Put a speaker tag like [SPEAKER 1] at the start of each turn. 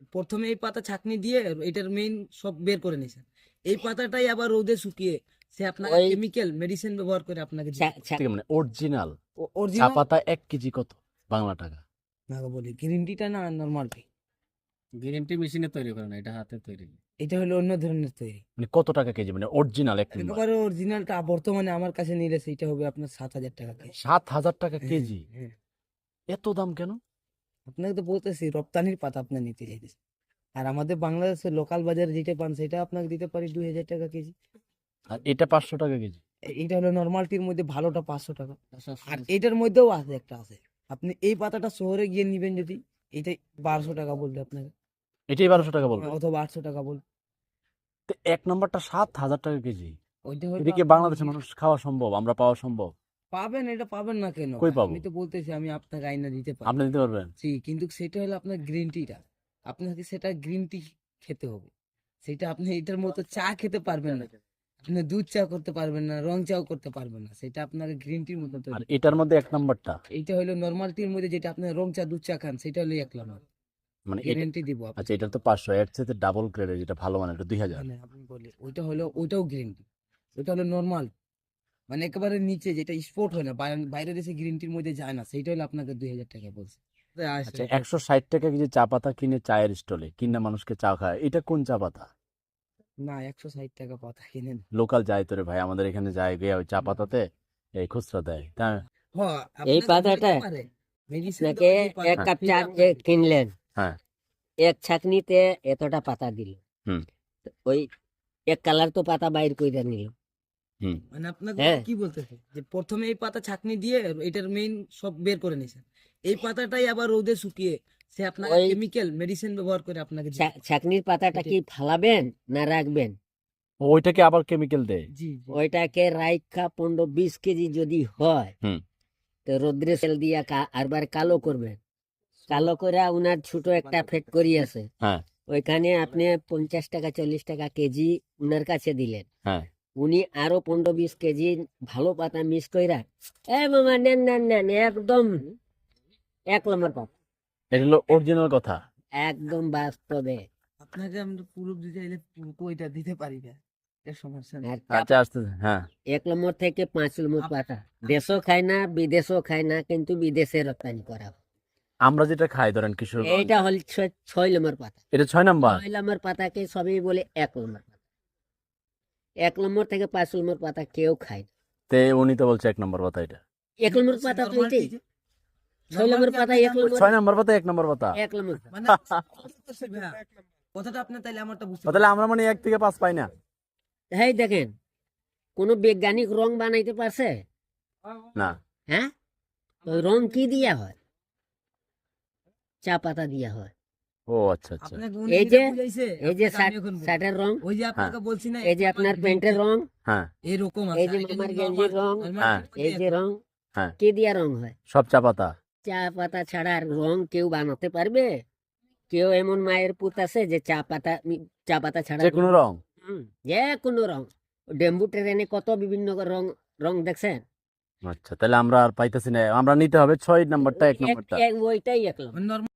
[SPEAKER 1] প্রথমে এই পাতা ছাঁকনি দিয়ে এটার মেইন সব বের করে নিয়েছেন। এই পাতাটাই আবার রোদে শুকিয়ে সে আপনার
[SPEAKER 2] ওই
[SPEAKER 1] কেমিক্যাল মেডিসিন ব্যবহার করে আপনাকে
[SPEAKER 3] থেকে মানে অরিজিনাল চা
[SPEAKER 1] অরিজিনাল
[SPEAKER 3] পাতা 1 কেজি কত বাংলা টাকা?
[SPEAKER 1] না বলি গ্রিন টিটা না নরমাল টি,
[SPEAKER 4] গ্রিন টি মেশিনে তৈরি করে না, এটা হাতে তৈরি।
[SPEAKER 1] এটা হলো অন্য ধরনের তৈরি।
[SPEAKER 3] মানে কত টাকা কেজি মানে অরিজিনাল এক নম্বর?
[SPEAKER 1] একেবারে অরিজিনালটা বর্তমানে আমার কাছে নিলে সেটা হবে আপনার 7,000 টাকা কেজি।
[SPEAKER 3] 7,000 টাকা কেজি?
[SPEAKER 1] হ্যাঁ,
[SPEAKER 3] এত দাম কেন?
[SPEAKER 1] আপনাকে তো বলতেছি রপ্তানির পাতা আপনি নিতে চাইতেছেন, আর আমাদের বাংলাদেশের লোকাল বাজারে যেটা পান সেটা আপনাকে দিতে পারি 2,000 টাকা কেজি।
[SPEAKER 3] আর এটা 500 টাকা কেজি?
[SPEAKER 1] এটা হলো নর্মালটির মধ্যে ভালোটা 500 টাকা, আর এটার মধ্যেও আছে একটা আছে। আপনি এই পাতাটা শহরে গিয়ে নিবেন যদি এটা 1200 টাকা বলবে আপনাকে,
[SPEAKER 3] এটাই 1200 টাকা বলবো?
[SPEAKER 1] অথবা 800 টাকা বলবে।
[SPEAKER 3] তো এক নম্বরটা 7,000 টাকা কেজি।
[SPEAKER 1] ওইটা হলো
[SPEAKER 3] এদিকে
[SPEAKER 1] আপনার
[SPEAKER 3] বাংলাদেশের মানুষ খাওয়া সম্ভব, আমরা পাওয়া সম্ভব?
[SPEAKER 1] পাবেন, এটা পাবেন না কেন?
[SPEAKER 3] কই পাবো?
[SPEAKER 1] আমি তো বলতেছি আমি আপনাকে আইনা দিতে পারি।
[SPEAKER 3] আপনি দিতে পারবেন?
[SPEAKER 1] জি, কিন্তু সেটা হলো আপনার গ্রিন টিটা, আপনাকে সেটা গ্রিন টি খেতে হবে। সেটা আপনি এটার মতো চা খেতে পারবেন না, আপনি দুধ চা করতে পারবেন না, রং চাও করতে পারবেন না, সেটা আপনাকে গ্রিন টির মতো
[SPEAKER 3] আর
[SPEAKER 1] তৈরি।
[SPEAKER 3] এটার মধ্যে এক নম্বরটা
[SPEAKER 1] এইটা হলো নরমাল টির মধ্যে যেটা আপনি রং চা দুধ চা খান সেটা হলো 1 নম্বর
[SPEAKER 3] মানে এটা,
[SPEAKER 1] গ্যারান্টি দিব আপনাকে।
[SPEAKER 3] আচ্ছা এটা তো 500, এর চেয়ে ডাবল গ্রেডের যেটা ভালো মানে এটা 2000।
[SPEAKER 1] মানে আপনি বলি ওইটা হলো ওইটাও গ্রিন টি, ওইটা হলো নরমাল মানে একেবারে নিচে যেটা স্পোর্ট হয় না, বাইরে দেশে গ্রিন টির মধ্যে যায় না, সেইটা হলো আপনাকে 2,000 টাকা বলছে।
[SPEAKER 3] আচ্ছা 160 টাকা কেজি চা পাতা কিনে চায়ের স্টলে কিনা মানুষকে চা খায়, এটা কোন চা পাতা?
[SPEAKER 1] না 160 টাকা পাতা কিনেন।
[SPEAKER 3] লোকাল যায় তো রে ভাই, আমাদের এখানে যায় গিয়ে ওই চা পাতাতে এই খুচরা দেয় তা।
[SPEAKER 2] এই পাতাটা আপনাকে এক কাপ চা যে কিনলেন,
[SPEAKER 3] হ্যাঁ।
[SPEAKER 2] এক ছাকনিতে এতটা পাতা দিল,
[SPEAKER 3] হুম।
[SPEAKER 2] তো ওই এক কালার তো পাতা বাইর করে নিল।
[SPEAKER 1] মানে আপনাকে
[SPEAKER 2] হ্যাঁ।
[SPEAKER 1] কি বলতেছে যে প্রথমে এই পাতা ছাঁকনি দিয়ে এটার মেইন সব বের করে নিয়েছেন। এই পাতাটাই আবার রোদে শুকিয়ে সে আপনার
[SPEAKER 2] ওই
[SPEAKER 1] কেমিক্যাল মেডিসিন ব্যবহার করে আপনাকে
[SPEAKER 2] ছাকনির পাতাটা কি ফালাবেন না রাখবেন?
[SPEAKER 3] ওইটাকে আবার কেমিক্যাল দেয়?
[SPEAKER 1] জি জি।
[SPEAKER 2] ওইটাকে রাইখা 15-20 কেজি যদি হয়,
[SPEAKER 3] হুম।
[SPEAKER 2] তো রোদ্রে সেল দিয়া আরবার কালো করবেন। কালো করে উনার ছোট একটা ফ্যাক্টরি আছে,
[SPEAKER 3] হ্যাঁ।
[SPEAKER 2] ওইখানে আপনি 50 টাকা 40 টাকা কেজি উনার কাছে দিলেন,
[SPEAKER 3] হ্যাঁ।
[SPEAKER 2] উনি আরো 15-20 কেজি ভালো পাতা মিস কইরা মামা নেন নেন নেন, একদম 1 নম্বর পাতা,
[SPEAKER 3] এটা হলো অরিজিনাল কথা।
[SPEAKER 2] একদম বাস্তবে।
[SPEAKER 1] আপনাকে আমরা পুরো দিতে চাইলে ওইটা দিতে পারি না, এর সমস্যা নেই।
[SPEAKER 2] আর
[SPEAKER 3] আচ্ছা আসতে হ্যাঁ।
[SPEAKER 2] 1 নম্বর থেকে 5 নম্বর পাতা দেশও খায় না বিদেশও খায় না, কিন্তু বিদেশে রপ্তানি করা হয়।
[SPEAKER 3] আমরা যেটা খাই ধরেন কিশোর,
[SPEAKER 2] এইটা হল 6 নম্বর পাতা।
[SPEAKER 3] এটা 6 নাম্বার।
[SPEAKER 2] 6 নম্বর পাতাকে সবই বলে 1 নম্বর পাতা। 1 নম্বর থেকে 5 নম্বর পাতা কেউ খায় না।
[SPEAKER 3] তে উনি তো বলছে 1 নম্বর পাতা, এটা
[SPEAKER 2] 1 নম্বর পাতা তো এটাই। 6 নম্বর পাতা 1 নম্বর,
[SPEAKER 3] 6 নাম্বার পাতা 1 নম্বর পাতা।
[SPEAKER 2] 1 নম্বর।
[SPEAKER 1] মানে কথাটা আপনি তাইলে আমারটা বুঝতে
[SPEAKER 3] তাহলে আমরা মানে 1 থেকে 5 পাই না?
[SPEAKER 2] এই দেখেন, কোন বৈজ্ঞানিক রং বানাইতে পারছে?
[SPEAKER 3] না।
[SPEAKER 2] হ্যাঁ, ওই রং কি দিয়া হয়? চা পাতা দিয়া হয়।
[SPEAKER 3] ও আচ্ছা আচ্ছা।
[SPEAKER 1] আপনাকে
[SPEAKER 2] এই যে
[SPEAKER 1] বুঝাইছে,
[SPEAKER 2] এই যে
[SPEAKER 1] আপনাকে আমি এখন বলবো।
[SPEAKER 2] শার্টের রং,
[SPEAKER 1] ওই যে আপনাকে বলছি না,
[SPEAKER 2] এই যে আপনার প্যান্টের রং,
[SPEAKER 3] হ্যাঁ।
[SPEAKER 1] এরকম
[SPEAKER 2] এই
[SPEAKER 1] আছে,
[SPEAKER 2] যে
[SPEAKER 1] আর এটা
[SPEAKER 2] মামার
[SPEAKER 1] যদি
[SPEAKER 2] গেঞ্জির রং,
[SPEAKER 1] normal
[SPEAKER 3] হ্যাঁ।
[SPEAKER 2] এই যে রং,
[SPEAKER 3] হ্যাঁ।
[SPEAKER 2] কি দিয়া রং হয়?
[SPEAKER 3] সব চা পাতা।
[SPEAKER 2] চা পাতা ছাড়া আর রং কেউ বানাতে পারবে? কেউ এমন মায়ের পুত আছে যে চা পাতা ছাড়া
[SPEAKER 3] যে কোনো রং?
[SPEAKER 2] যে কোনো রং। ডেম্বু ট্রেনে কত বিভিন্ন রং রং দেখছেন?
[SPEAKER 3] আচ্ছা তাহলে আমরা আর পাইতেছি না, আমরা নিতে হবে 6 নাম্বারটা 1 নাম্বারটা।
[SPEAKER 2] ওইটাই 1 নম্বর।
[SPEAKER 1] normal